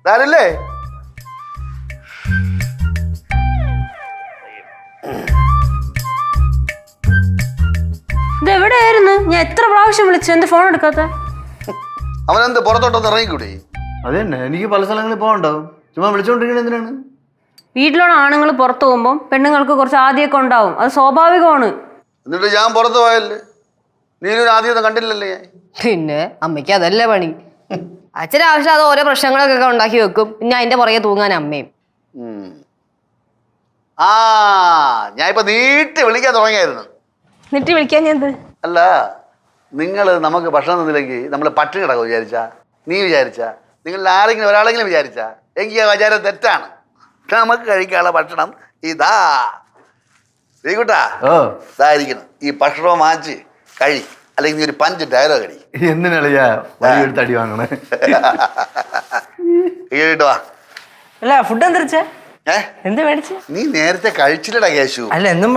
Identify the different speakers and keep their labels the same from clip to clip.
Speaker 1: ആരല്ലേ?
Speaker 2: ഇതെവിടെയായിരുന്നു? ഞാൻ എത്ര പ്രാവശ്യം വിളിച്ചു, എന്റെ ഫോൺ എടുക്കാത്ത?
Speaker 1: അവനെന്ത് പുറത്തോട്ടൊന്ന് ഇറങ്ങിക്കൂടെ?
Speaker 3: അത് തന്നെ, എനിക്ക് പല സ്ഥലങ്ങളിൽ പോകണ്ടാവും. ചുമ്മാ വിളിച്ചോണ്ടിരിക്കണ എന്തിനാണ്?
Speaker 2: വീട്ടിലുള്ള ആണുങ്ങൾ പുറത്തു പോകുമ്പോൾ പെണ്ണുങ്ങൾക്ക് കുറച്ച് ആദ്യമൊക്കെ ഉണ്ടാവും, അത് സ്വാഭാവികമാണ്.
Speaker 1: എന്നിട്ട് ഞാൻ പുറത്ത് പോയല്ലേ, നീനൊരു ആദ്യമൊന്നും കണ്ടില്ലല്ലേ ഞാൻ?
Speaker 4: പിന്നെ അമ്മയ്ക്ക് അതല്ലേ പണി. അച്ഛന് ആവശ്യം അത് ഓരോ പ്രശ്നങ്ങളൊക്കെ ഉണ്ടാക്കി വെക്കും, പിന്നെ അതിന്റെ പുറകെ തൂങ്ങാൻ അമ്മയും.
Speaker 1: ആ ഞാൻ ഇപ്പൊ നീട്ടി വിളിക്കാൻ തുടങ്ങിയായിരുന്നു.
Speaker 2: എന്നിട്ട് വിളിക്കാൻ ഞാൻ
Speaker 1: അല്ല, നിങ്ങൾ നമുക്ക് ഭക്ഷണം തന്നില്ലെങ്കിൽ നമ്മൾ പട്ടിണി കിടക്കും വിചാരിച്ചാ? നീ വിചാരിച്ചാ? നിങ്ങളിൽ ആരെങ്കിലും ഒരാളെങ്കിലും വിചാരിച്ചാ? എങ്കിൽ ആ വിചാരം തെറ്റാണ്. നമുക്ക് കഴിക്കാനുള്ള ഭക്ഷണം ഇതാ. ശ്രീകുട്ടാ, ഇതായിരിക്കണം. ഈ ഭക്ഷണം വാങ്ങിച്ച് കഴി, അല്ലെങ്കിൽ നീ ഒരു 5 ഡയലോ കടി.
Speaker 3: എന്തിനാളിയാ വലിയൊരു തടി വാങ്ങണേ?
Speaker 1: കേട്ടോ
Speaker 5: അല്ല ഫുഡ് എന്തരിച്ച എന്ത് മേടിച്ച?
Speaker 1: നീ നേരത്തെ കഴിച്ചില്ലടാ കേശു.
Speaker 5: അല്ല എന്നും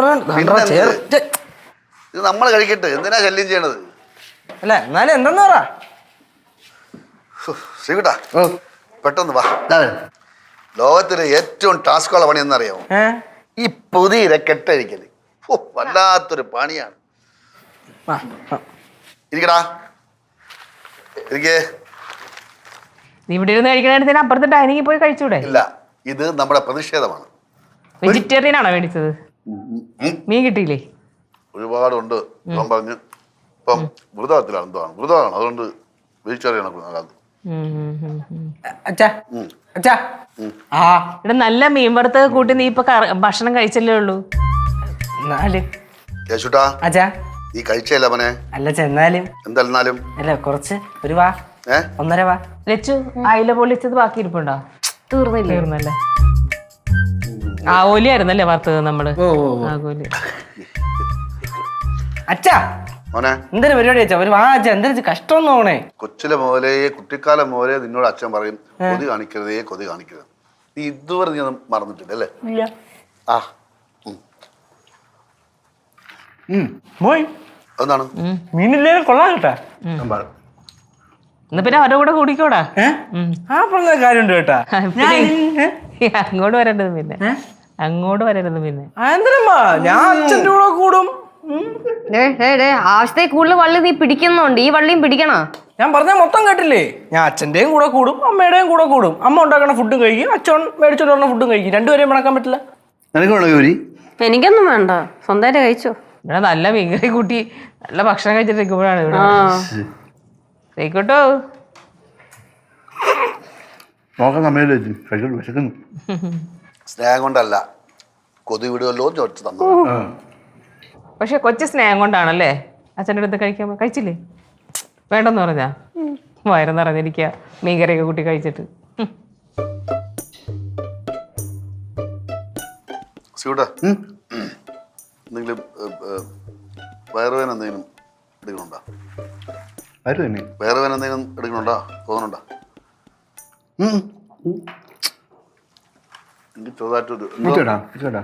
Speaker 1: ഇത് നമ്മൾ കഴിക്കട്ടെ, എന്തിനാ ശല്യം ചെയ്യണത്?
Speaker 5: അല്ല എന്നാലും എന്തെന്ന് പറ
Speaker 1: ശ്രീകുട്ടാ, പെട്ടെന്ന് വാ. ലോകത്തിലെ ഏറ്റവും ടാസ്കുള്ള പണി എന്നറിയാമോ? ഈ പുതിയ കെട്ടഴിക്കല്. വല്ലാത്തൊരു പണിയാണ്. ഇരിക്കടാ, ഇരിക്കേ.
Speaker 6: നീ ഇവിടെ ഇരുന്ന് കഴിക്കണ അപ്പുറത്തെ ഡൈനിങ്ങിൽ പോയി കഴിച്ചൂടെ?
Speaker 1: ഇല്ല, ഇത് നമ്മുടെ പ്രതിഷേധമാണ്.
Speaker 6: വെജിറ്റേറിയൻ ആണോ മേടിച്ചത്? മീൻ കിട്ടിയില്ലേ?
Speaker 1: ഒരുപാടുണ്ട്. ഞാൻ പറഞ്ഞു ഇപ്പം വൃതത്തിലാണ്, എന്താണ് വൃതമാണ്, അതുകൊണ്ട് വെജിറ്റേറിയൻ ആണ്.
Speaker 6: ഇവിടെ നല്ല മീൻ വറുത്തൊക്കെ കൂട്ടി നീ ഇപ്പൊ ഭക്ഷണം കഴിച്ചല്ലേ ഉള്ളൂ.
Speaker 1: കേശുട്ടാ, നീ കഴിച്ചല്ല അവനെ?
Speaker 5: അല്ല ചെന്നാലും
Speaker 1: എന്തായാലും
Speaker 5: അല്ല കുറച്ച് ഒരു വാ, 1.5 വാ.
Speaker 6: ലച്ചു, അയില പൊള്ളിച്ചത് ബാക്കി ഇരിപ്പുണ്ടോ? തീർന്നല്ലേ? ആവോലിയായിരുന്നല്ലേ വറുത്തത് നമ്മള്? ആകോലി.
Speaker 5: അച്ഛാ എന്തൊരു പരിപാടി അച്ഛാ, ഒരു വാ അച്ഛാ. എന്തൊരു കഷ്ടം നോണേ.
Speaker 1: കൊച്ചിലെ മോലെ, കുട്ടിക്കാലം മോലെ നിന്നോട് അച്ഛൻ പറയും, കൊതി കാണിക്കരുതേ, കൊതി കാണിക്കരുത്. നീ ഇതുവരെ നീ ഒന്നും മറന്നിട്ടില്ല അല്ലേ? ആ എന്താണ്
Speaker 5: മീനില്ലേ? കൊള്ളാം കേട്ടാ.
Speaker 6: എന്നാ പിന്നെ അവരുടെ കൂടെ കൂടിക്കോടാ.
Speaker 5: ആ പറഞ്ഞ കാര്യമുണ്ട് കേട്ടാ.
Speaker 6: അങ്ങോട്ട് വരേണ്ടത് പിന്നെ
Speaker 5: എന്തിനമ്മാ, ഞാൻ അച്ഛൻ്റെ കൂടെ കൂടും.
Speaker 4: ആവശ്യത്തെ കൂടുതൽ വള്ളി നീ പിടിക്കുന്നുണ്ട്, ഈ വള്ളിയും പിടിക്കണ.
Speaker 5: ഞാൻ പറഞ്ഞ മൊത്തം കേട്ടില്ലേ? ഞാൻ അച്ഛൻ്റെയും കൂടെ കൂടും, അമ്മയുടെയും കൂടെ കൂടും. അമ്മ ഉണ്ടാക്കണ ഫുഡും കഴിക്കും, അച്ഛൻ മേടിച്ചോണ്ട് പറഞ്ഞ ഫുഡും കഴിക്കും. രണ്ടുപേരെയും മണക്കാൻ പറ്റില്ല.
Speaker 2: എനിക്കൊന്നും വേണ്ട, സ്വന്തമായിട്ട് കഴിച്ചോ.
Speaker 6: ഇവിടെ നല്ല മീൻകറി കൂട്ടി നല്ല ഭക്ഷണം കഴിച്ചിട്ടിരിക്കുമ്പോഴാണ് ഇവിടെ കേട്ടോ.
Speaker 1: സ്നേഹം കൊണ്ടല്ല, കൊതി വിടുമല്ലോ ചോദിച്ചു തന്നു.
Speaker 6: പക്ഷെ കൊച്ചു സ്നേഹം കൊണ്ടാണല്ലേ അച്ഛൻ്റെ അടുത്ത് കഴിക്കാൻ. കഴിച്ചില്ലേ? വേണ്ടെന്ന് പറഞ്ഞാ? വയറെന്ന് പറഞ്ഞിരിക്കുക മീൻകറിയൊക്കെ കൂട്ടി കഴിച്ചിട്ട്.
Speaker 1: എന്തെങ്കിലും വയറുവേന എന്തെങ്കിലും എടുക്കണുണ്ടോ? വയറുവേന എന്തെങ്കിലും എടുക്കണുണ്ടോ? തോന്നുന്നുണ്ടോ? എനിക്ക് ചെറുതായിട്ടൊരു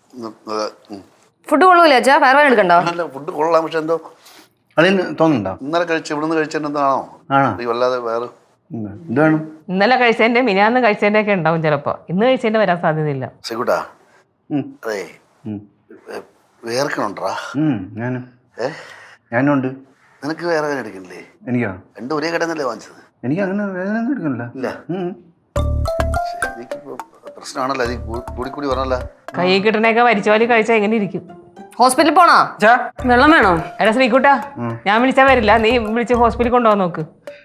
Speaker 4: ഫുഡ് കൊള്ളൂല അച്ഛാ, വയറുവേന എടുക്കണ്ടോ?
Speaker 1: ഫുഡ് കൊള്ളാം, പക്ഷെ എന്തോ
Speaker 3: തോന്നുന്നുണ്ടോ?
Speaker 1: ഇന്നലെ ഇവിടുന്ന് കഴിച്ചതിന്റെ എന്താണോ വല്ലാതെ വേറെ
Speaker 6: ഇന്നലെ കഴിച്ചതിന്റെ മിനിയാന്ന് കഴിച്ചതിന്റെ ഒക്കെ ഉണ്ടാവും ചിലപ്പോ. ഇന്ന് കഴിച്ചതിന്റെ വരാൻ സാധ്യതയില്ല.
Speaker 1: ശരിക്കൂട്ടാ, അതെ വേർക്കണുണ്ടാ?
Speaker 3: ഞാനുണ്ട്.
Speaker 1: നിനക്ക് വേറെ വേദന എടുക്കണില്ലേ?
Speaker 3: എനിക്കോ?
Speaker 1: രണ്ടും ഒരേ കടന്നല്ലേ വാങ്ങിച്ചത്?
Speaker 3: എനിക്ക് അങ്ങനെ വേദന എടുക്കണില്ല.
Speaker 1: ഇല്ല, എനിക്കിപ്പോ പ്രശ്നമാണല്ലോ, അത് കൂടി പറഞ്ഞല്ല.
Speaker 6: കൈ കിട്ടണേക്കെ വലിച്ചോലി കഴിച്ചാൽ എങ്ങനെ ഇരിക്കും?
Speaker 4: ഹോസ്പിറ്റലിൽ പോണോ?
Speaker 2: വെള്ളം വേണോ?
Speaker 6: എടാ ശ്രീകുട്ടാ, ഞാൻ വിളിച്ചാ വരില്ല, നീ വിളിച്ച് ഹോസ്പിറ്റലിൽ കൊണ്ടുപോകാൻ നോക്ക്.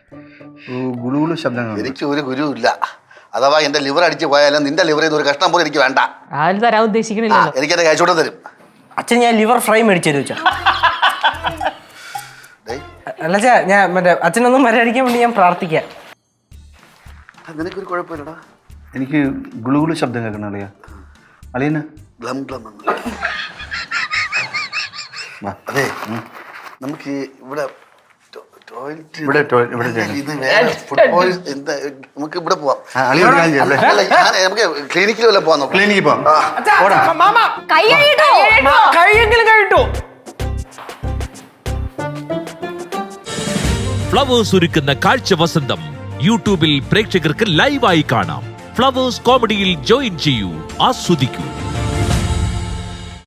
Speaker 1: എനിക്ക് ഒരു ഗുരു ഇല്ല. അഥവാ എന്റെ ലിവർ അടിച്ച് പോയാലും നിന്റെ ലിവർ ചെയ്ത് ഒരു കഷ്ണം പോലും എനിക്ക് വേണ്ട.
Speaker 6: ആരും തരാൻ ഉദ്ദേശിക്കണില്ല.
Speaker 1: എനിക്കെന്റെ കഴിച്ചോട്ടം തരും.
Speaker 5: അച്ഛൻ ഞാൻ ലിവർ ഫ്രൈ മേടിച്ചു തരും അച്ഛാ. അല്ല ചാ, ഞാൻ മറ്റേ അച്ഛനൊന്നും മര്യാദിക്കാൻ വേണ്ടി ഞാൻ പ്രാർത്ഥിക്കാം.
Speaker 1: നിനക്കൊരു കുഴപ്പമില്ലടാ.
Speaker 3: എനിക്ക് ഗുളുഗുളു ശബ്ദം കേൾക്കണം അളിയാ. അളിയന്
Speaker 1: അതെ, നമുക്ക് ഇവിടെ നമുക്ക് ഇവിടെ പോവാം. നമുക്ക് ക്ലിനിക്കിൽ വല്ല പോവാം.
Speaker 3: ക്ലിനിക്കിൽ പോവാം.
Speaker 5: കൈയെങ്കിലും കഴിട്ടു.
Speaker 7: ഫ്ലവേഴ്സ് ഒരുക്കുന്ന കാഴ്ച വസന്തം യൂട്യൂബിൽ പ്രേക്ഷകർക്ക് ലൈവായി കാണാം. ഫ്ലവേഴ്സ് കോമഡിയിൽ ജോയിൻ ചെയ്യൂ, ആസ്വദിക്കൂ.